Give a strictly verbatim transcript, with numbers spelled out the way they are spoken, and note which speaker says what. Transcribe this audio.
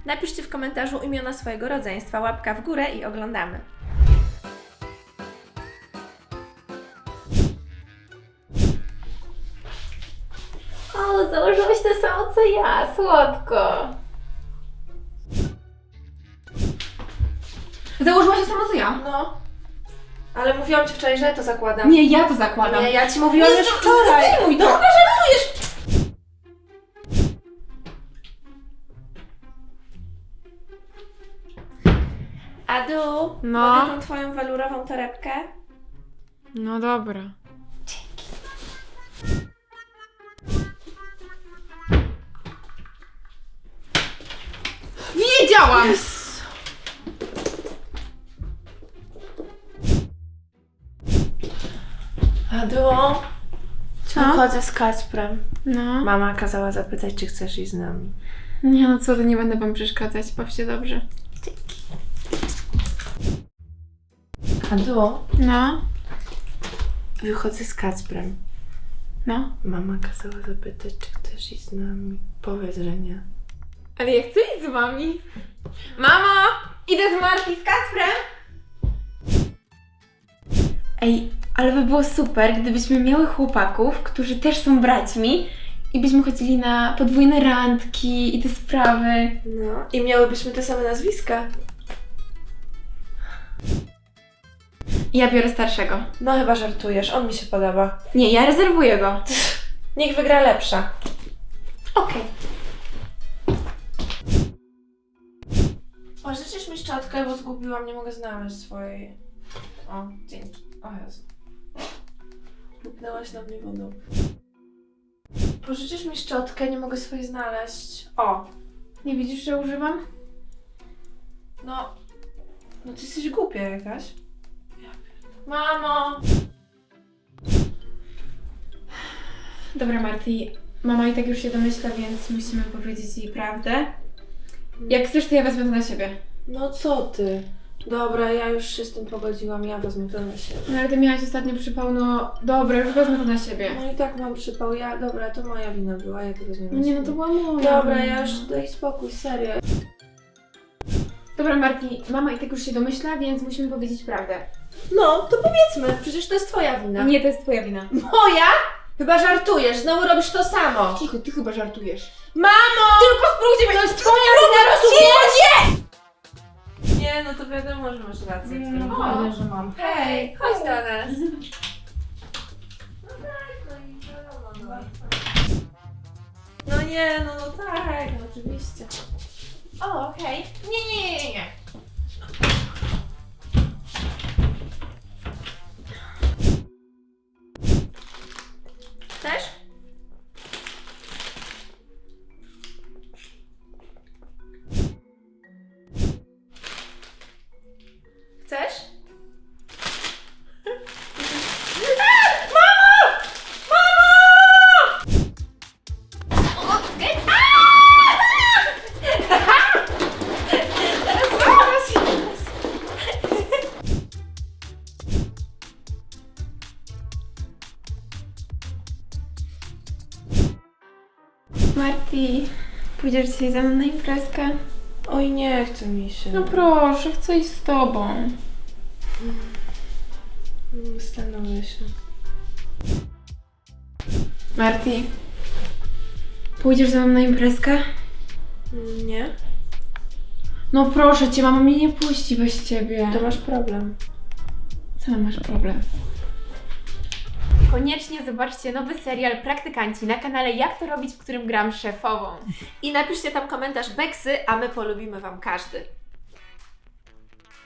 Speaker 1: Napiszcie w komentarzu imiona swojego rodzeństwa, łapka w górę i oglądamy. O, założyłeś to samo co ja, słodko.
Speaker 2: Założyłaś to samo co ja?
Speaker 1: No. Ale mówiłam Ci wczoraj, że ja to zakładam.
Speaker 2: Nie, ja to zakładam.
Speaker 1: Nie, ja Ci mówiłam już wczoraj.
Speaker 2: Zdejmuj to!
Speaker 1: Dobra, żartujesz! Adu,
Speaker 2: No.
Speaker 1: mogę tą Twoją walurową torebkę?
Speaker 2: No dobra. Wiedziałam!
Speaker 1: Adu,
Speaker 2: Co?
Speaker 1: wychodzę z Kacprem.
Speaker 2: No.
Speaker 1: Mama kazała zapytać, czy chcesz iść z nami.
Speaker 2: Nie no co, to nie będę wam przeszkadzać. Bawcie dobrze.
Speaker 1: Adu,
Speaker 2: No.
Speaker 1: wychodzę z Kacprem.
Speaker 2: No.
Speaker 1: Mama kazała zapytać, czy chcesz iść z nami. Powiedz, że nie.
Speaker 2: Ale ja chcę iść z wami. Mamo! Idę z Marti z Kacprem! Ej, ale by było super, gdybyśmy miały chłopaków, którzy też są braćmi i byśmy chodzili na podwójne randki i te sprawy.
Speaker 1: No. I miałybyśmy te same nazwiska.
Speaker 2: Ja biorę starszego.
Speaker 1: No chyba żartujesz, on mi się podoba.
Speaker 2: Nie, ja rezerwuję go.
Speaker 1: Niech wygra lepsza.
Speaker 2: Okej.
Speaker 1: Pożyczysz mi szczotkę, bo zgubiłam, nie mogę znaleźć swojej. O, dzięki. O Jezu. Lupnęłaś na mnie wodą. Pożyczysz mi szczotkę, nie mogę swojej znaleźć. O,
Speaker 2: Nie widzisz, że używam?
Speaker 1: no. No ty jesteś głupia jakaś. Ja pierdolę. Mamo!
Speaker 2: Dobra, Marti. Mama i tak już się domyśla, więc musimy powiedzieć jej prawdę. Jak chcesz, to ja wezmę to na siebie.
Speaker 1: No co ty? Dobra, ja już się z tym pogodziłam, ja wezmę to na siebie.
Speaker 2: No ale ty miałaś ostatnio przypał, no dobra, już wezmę to na siebie.
Speaker 1: No i tak mam przypał, ja, dobra, to moja wina była, ja to wezmę na
Speaker 2: Nie,
Speaker 1: siebie.
Speaker 2: no to była moja.
Speaker 1: Dobra, ja już daj spokój, serio.
Speaker 2: Dobra, Marti, mama i tak już się domyśla, więc musimy powiedzieć prawdę.
Speaker 1: No, to powiedzmy, przecież to jest twoja wina.
Speaker 2: Nie, to jest twoja wina.
Speaker 1: Moja? Chyba żartujesz, znowu robisz to samo.
Speaker 2: Cicho, ty chyba żartujesz.
Speaker 1: Mamo!
Speaker 2: Tylko spróbujcie mnie,
Speaker 1: To jest twoja wina, rozumiesz? Nie, no to wiadomo, że masz rację.
Speaker 2: No,
Speaker 1: O,
Speaker 2: pewnie, że mam.
Speaker 1: hej, chodź do nas. No tak, no i wiadomo, no. No nie, no, no tak, no oczywiście.
Speaker 2: O, okej. Nie, nie, nie, nie.
Speaker 1: Chcesz? Chcesz? Mamo! Mamo!
Speaker 2: Marti, pójdziesz dzisiaj ze mną na imprezkę?
Speaker 1: Oj, nie chce mi się.
Speaker 2: No proszę, chcę iść z tobą.
Speaker 1: Zastanowię się.
Speaker 2: Marti, pójdziesz ze mną na imprezkę?
Speaker 1: Nie?
Speaker 2: No proszę cię, mama mnie nie puści bez ciebie.
Speaker 1: To masz problem.
Speaker 2: Co masz problem? Koniecznie zobaczcie nowy serial Praktykanci na kanale Jak to robić, w którym gram szefową.
Speaker 1: I napiszcie tam komentarz Beksy, a my polubimy wam każdy.